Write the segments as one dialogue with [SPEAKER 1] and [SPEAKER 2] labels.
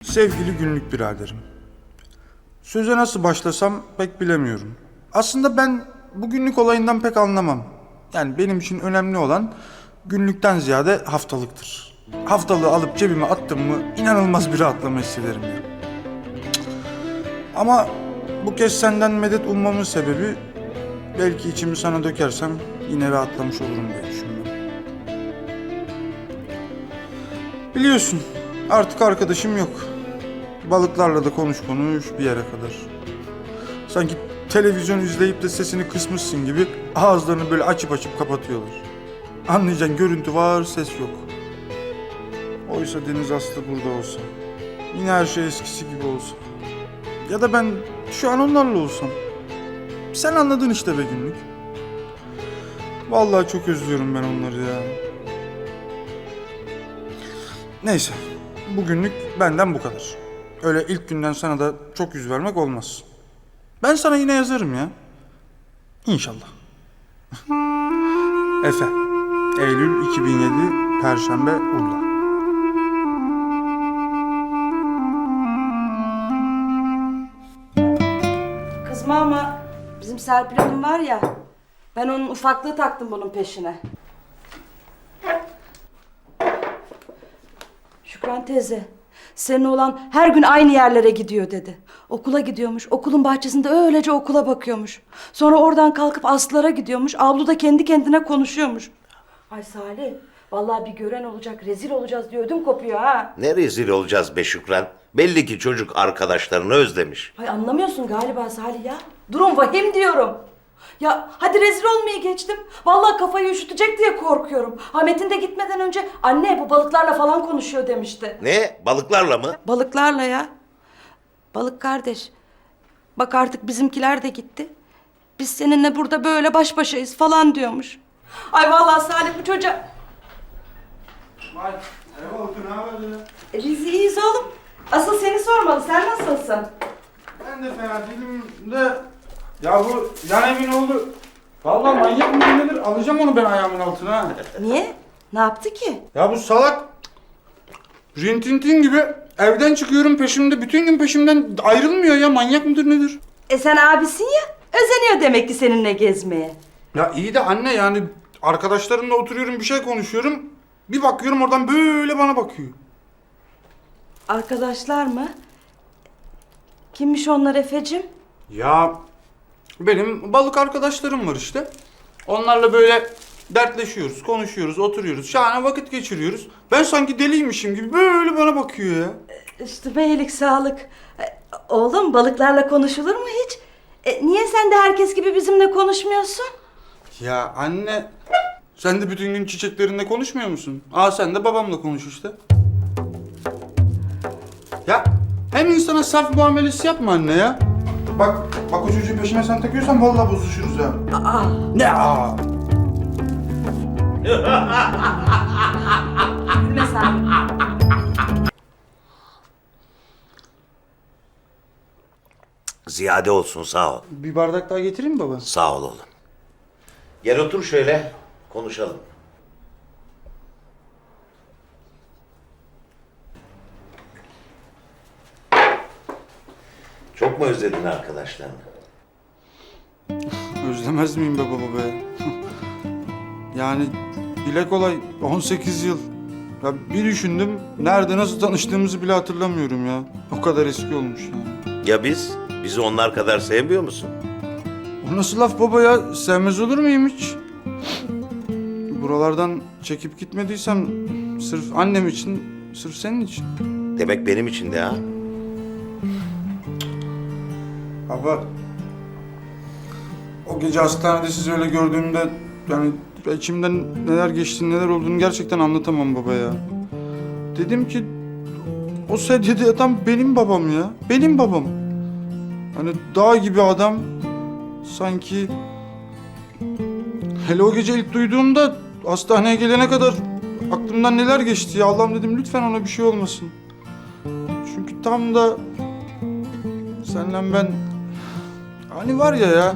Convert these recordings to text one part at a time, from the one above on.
[SPEAKER 1] Sevgili günlük biraderim. Söze nasıl başlasam pek bilemiyorum. Aslında ben bu günlük olayından pek anlamam. Yani benim için önemli olan günlükten ziyade haftalıktır. Haftalığı alıp cebime attım mı inanılmaz bir rahatlama hissederim ya. Ama bu kez senden medet ummamın sebebi belki içimi sana dökersem yine rahatlamış olurum diye düşündüm. Biliyorsun artık arkadaşım yok. Balıklarla da konuş bir yere kadar. Sanki televizyon izleyip de sesini kısmışsın gibi ağızlarını böyle açıp açıp kapatıyorlar. Anlayacağın görüntü var, ses yok. Oysa Deniz Aslı burada olsa, yine her şey eskisi gibi olsa. Ya da ben şu an onlarla olsam. Sen anladın işte be günlük. Vallahi çok özlüyorum ben onları ya. Neyse, bugünlük benden bu kadar. Öyle ilk günden sana da çok yüz vermek olmaz. Ben sana yine yazarım ya. İnşallah. Efe, Eylül 2007, Perşembe, Urla.
[SPEAKER 2] Kızma ama bizim Serpil Hanım var ya, ben onun ufaklığı taktım bunun peşine. Şükran teyze, senin oğlan her gün aynı yerlere gidiyor dedi. Okula gidiyormuş, okulun bahçesinde öylece okula bakıyormuş. Sonra oradan kalkıp Aslılara gidiyormuş, avluda kendi kendine konuşuyormuş. Ay Salih, vallahi bir gören olacak, rezil olacağız diye ödüm kopuyor ha.
[SPEAKER 3] Ne rezil olacağız be Şükran. Belli ki çocuk arkadaşlarını özlemiş.
[SPEAKER 2] Ay anlamıyorsun galiba Salih ya. Durum vahim diyorum. Ya hadi rezil olmayı geçtim. Vallahi kafayı üşütecek diye korkuyorum. Metin de gitmeden önce anne bu balıklarla falan konuşuyor demişti.
[SPEAKER 3] Ne? Balıklarla mı?
[SPEAKER 2] Balıklarla ya. Balık kardeş. Bak artık bizimkiler de gitti. Biz seninle burada böyle baş başayız falan diyormuş. Ay vallahi Salih bu çocuğa...
[SPEAKER 1] Vay, eyvallah, ne haber ya?
[SPEAKER 2] Biz iyiyiz oğlum. Asıl seni sormalı. Sen nasılsın?
[SPEAKER 1] Ben de fena değilim de... Ya bu yan emin oldu. Vallahi manyak mı nedir? Alacağım onu ben ayağımın altına ha.
[SPEAKER 2] Niye? Ne yaptı ki?
[SPEAKER 1] Ya bu salak... Rintintin gibi evden çıkıyorum peşimde, bütün gün peşimden ayrılmıyor ya. Manyak mıdır nedir?
[SPEAKER 2] Sen abisin ya. Özeniyor demek ki seninle gezmeye.
[SPEAKER 1] Ya iyi de anne yani arkadaşlarımla oturuyorum bir şey konuşuyorum. Bir bakıyorum oradan böyle bana bakıyor.
[SPEAKER 2] Arkadaşlar mı? Kimmiş onlar Efe'cim?
[SPEAKER 1] Ya benim balık arkadaşlarım var işte. Onlarla böyle dertleşiyoruz, konuşuyoruz, oturuyoruz. Şahane vakit geçiriyoruz. Ben sanki deliymişim gibi böyle bana bakıyor ya.
[SPEAKER 2] Üstüme iyilik sağlık. Oğlum balıklarla konuşulur mu hiç? Niye sen de herkes gibi bizimle konuşmuyorsun?
[SPEAKER 1] Ya anne sen de bütün gün çiçeklerinle konuşmuyor musun? Sen de babamla konuş işte. Ya hem insana saf muamelesi yapma anne ya. Bak o çocuğu peşime sen takıyorsan vallahi bozuşuruz ha. Ne aa?
[SPEAKER 2] Gülme sen.
[SPEAKER 3] Ziyade olsun, sağ ol.
[SPEAKER 1] Bir bardak daha getireyim mi baba?
[SPEAKER 3] Sağ ol oğlum. Gel otur şöyle, konuşalım. Çok mu özledin arkadaşlarını?
[SPEAKER 1] Özlemez miyim be baba be? Yani dile kolay 18 yıl. Ya bir düşündüm nerede nasıl tanıştığımızı bile hatırlamıyorum ya. O kadar eski olmuş yani.
[SPEAKER 3] Ya biz? Bizi onlar kadar sevmiyor musun?
[SPEAKER 1] O nasıl laf baba ya? Sevmez olur muyum hiç? Buralardan çekip gitmediysem sırf annem için, sırf senin için.
[SPEAKER 3] Demek benim için de ha?
[SPEAKER 1] Baba, o gece hastanede sizi öyle gördüğümde yani içimden neler geçti, neler olduğunu gerçekten anlatamam baba ya. Dedim ki o sedyede yatan benim babam ya, benim babam. Hani dağ gibi adam sanki... Hele o gece ilk duyduğumda hastaneye gelene kadar aklımdan neler geçti ya. Allah'ım dedim lütfen ona bir şey olmasın. Çünkü tam da senle ben hani var ya ya.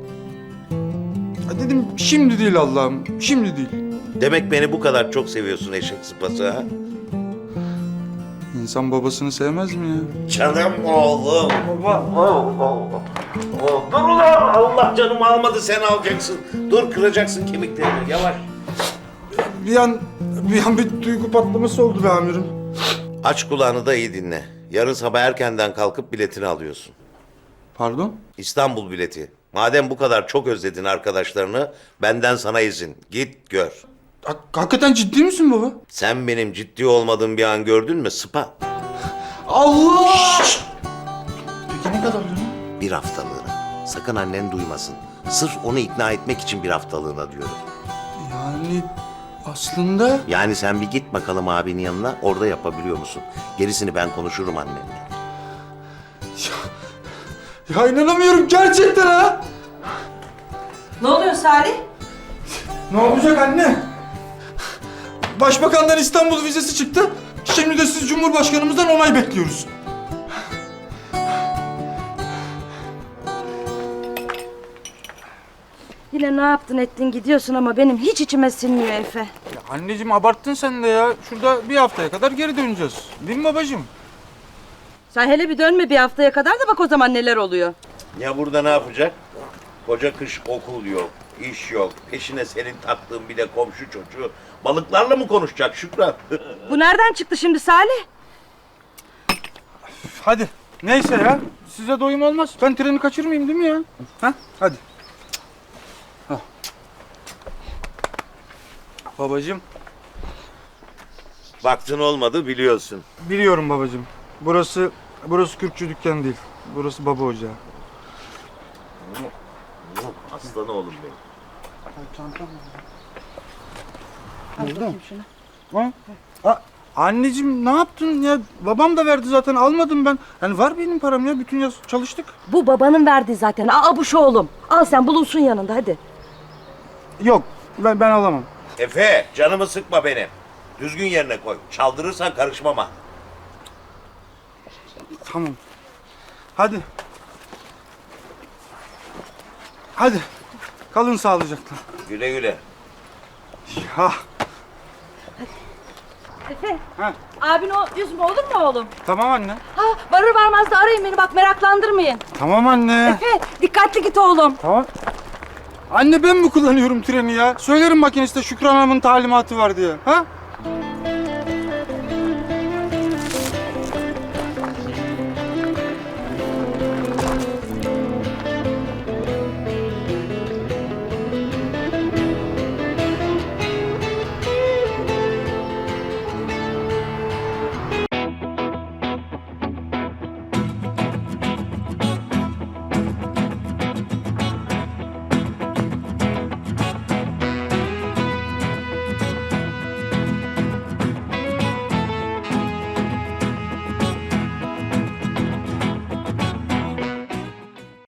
[SPEAKER 1] Dedim şimdi değil Allah'ım, şimdi değil.
[SPEAKER 3] Demek beni bu kadar çok seviyorsun eşek sıpası ha?
[SPEAKER 1] İnsan babasını sevmez mi ya?
[SPEAKER 3] Canım oğlum.
[SPEAKER 1] Baba.
[SPEAKER 3] Dur ulan, Allah canımı almadı, sen alacaksın. Dur, kıracaksın kemiklerini, yavaş.
[SPEAKER 1] Bir an bir duygu patlaması oldu be amirim.
[SPEAKER 3] Aç kulağını da iyi dinle. Yarın sabah erkenden kalkıp biletini alıyorsun.
[SPEAKER 1] Pardon?
[SPEAKER 3] İstanbul bileti. Madem bu kadar çok özledin arkadaşlarını, benden sana izin. Git gör.
[SPEAKER 1] Hakikaten ciddi misin baba?
[SPEAKER 3] Sen benim ciddi olmadığım bir an gördün mü Sıpa?
[SPEAKER 1] Allah! Peki ne kadar diyorsun?
[SPEAKER 3] Bir haftalığına. Sakın annen duymasın. Sırf onu ikna etmek için bir haftalığına diyorum.
[SPEAKER 1] Yani aslında...
[SPEAKER 3] Yani sen bir git bakalım abinin yanına, orada yapabiliyor musun? Gerisini ben konuşurum annenle.
[SPEAKER 1] Ya inanamıyorum gerçekten ha!
[SPEAKER 2] Ne oluyor Salih?
[SPEAKER 1] Ne olacak anne? Başbakandan İstanbul vizesi çıktı. Şimdi de siz Cumhurbaşkanımızdan onay bekliyoruz.
[SPEAKER 2] Yine ne yaptın ettin gidiyorsun ama benim hiç içime sinmiyor Efe.
[SPEAKER 1] Ya anneciğim abarttın sen de ya. Şurada bir haftaya kadar geri döneceğiz. Değil mi babacığım?
[SPEAKER 2] Sen hele bir dönme bir haftaya kadar da bak o zaman neler oluyor.
[SPEAKER 3] Ya burada ne yapacak? Koca kış okul yok, iş yok. Peşine senin taktığın bir de komşu çocuğu. Balıklarla mı konuşacak Şükran?
[SPEAKER 2] Bu nereden çıktı şimdi Salih?
[SPEAKER 1] Hadi. Neyse ya. Size doyum olmaz. Ben treni kaçırmayayım değil mi ya? Ha? Hadi. Ha. Babacığım.
[SPEAKER 3] Vaktin olmadı biliyorsun.
[SPEAKER 1] Biliyorum babacığım. Burası Kürkçü dükkanı değil. Burası baba ocağı.
[SPEAKER 3] Aslan oğlum benim.
[SPEAKER 2] Al bakayım şunu.
[SPEAKER 1] Ha? Anneciğim ne yaptın ya? Babam da verdi zaten almadım ben. Yani var benim param ya. Bütün yaz çalıştık.
[SPEAKER 2] Bu babanın verdiği zaten. Aa bu şu oğlum. Al sen bulunsun yanında hadi.
[SPEAKER 1] Yok ben alamam.
[SPEAKER 3] Efe, canımı sıkma benim. Düzgün yerine koy. Çaldırırsan karışmam ha.
[SPEAKER 1] Tamam. Hadi. Hadi. Kalın sağlıcakla.
[SPEAKER 3] Güle güle.
[SPEAKER 1] Ya.
[SPEAKER 2] Efe.
[SPEAKER 1] Ha.
[SPEAKER 2] Abin o üzme olur mu oğlum?
[SPEAKER 1] Tamam anne.
[SPEAKER 2] Ha varır varmaz da arayın beni bak meraklandırmayın.
[SPEAKER 1] Tamam anne.
[SPEAKER 2] Efe dikkatli git oğlum.
[SPEAKER 1] Tamam. Anne ben mi kullanıyorum treni ya? Söylerim makiniste Şükran Hanım'ın talimatı var diye. Ha?